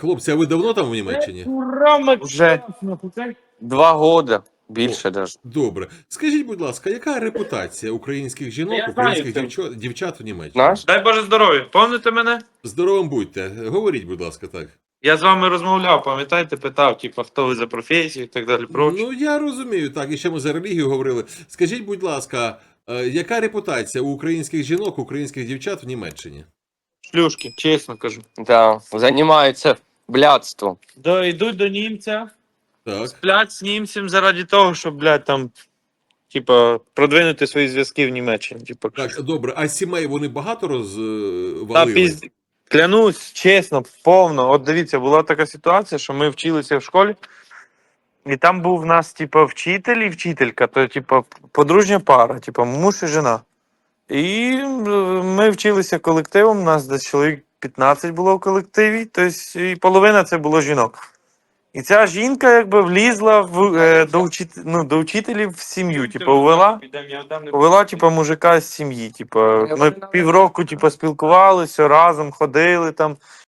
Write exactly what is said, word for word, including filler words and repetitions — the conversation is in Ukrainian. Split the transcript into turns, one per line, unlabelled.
Хлопці, а ви давно там в Німеччині?
Вже два года, більше даже.
Добре. Скажіть, будь ласка, яка репутація українських жінок,
Я
українських
знаю
дівчат, дівчат у Німеччині?
Наш?
Дай Боже здоров'я. Пам'ятаєте мене?
Здоровим будьте. Говоріть, будь ласка, так.
Я з вами розмовляв, пам'ятаєте, питав, типу, хто ви за професію і так далі. Прочі.
Ну, я розумію, так, і ще ми за релігію говорили. Скажіть, будь ласка, е, яка репутація у українських жінок, українських дівчат в Німеччині?
Шлюшки, чесно кажу.
Да, займаються блядством.
До, йдуть до німця,
Так.
сплять з німцем заради того, щоб, блядь, там, типа, продвинути свої зв'язки в Німеччині. Типа,
Так, добре. А сімей вони багато
та
розвалили?
пізд... Клянусь, чесно, повно. От дивіться, була така ситуація, що ми вчилися в школі, і там був в нас, типа, вчитель і вчителька, то, типа, подружня пара, типа, муж і жена. І е, ми вчилися колективом, у нас десь чоловік п'ятнадцять було в колективі, тобто і половина це було жінок. І ця жінка якби влізла в, е, до, вчит... ну, до вчителів в сім'ю, типу, увела, увела типу, мужика з сім'ї. Типу, ми півроку типу, спілкувалися, разом ходили там.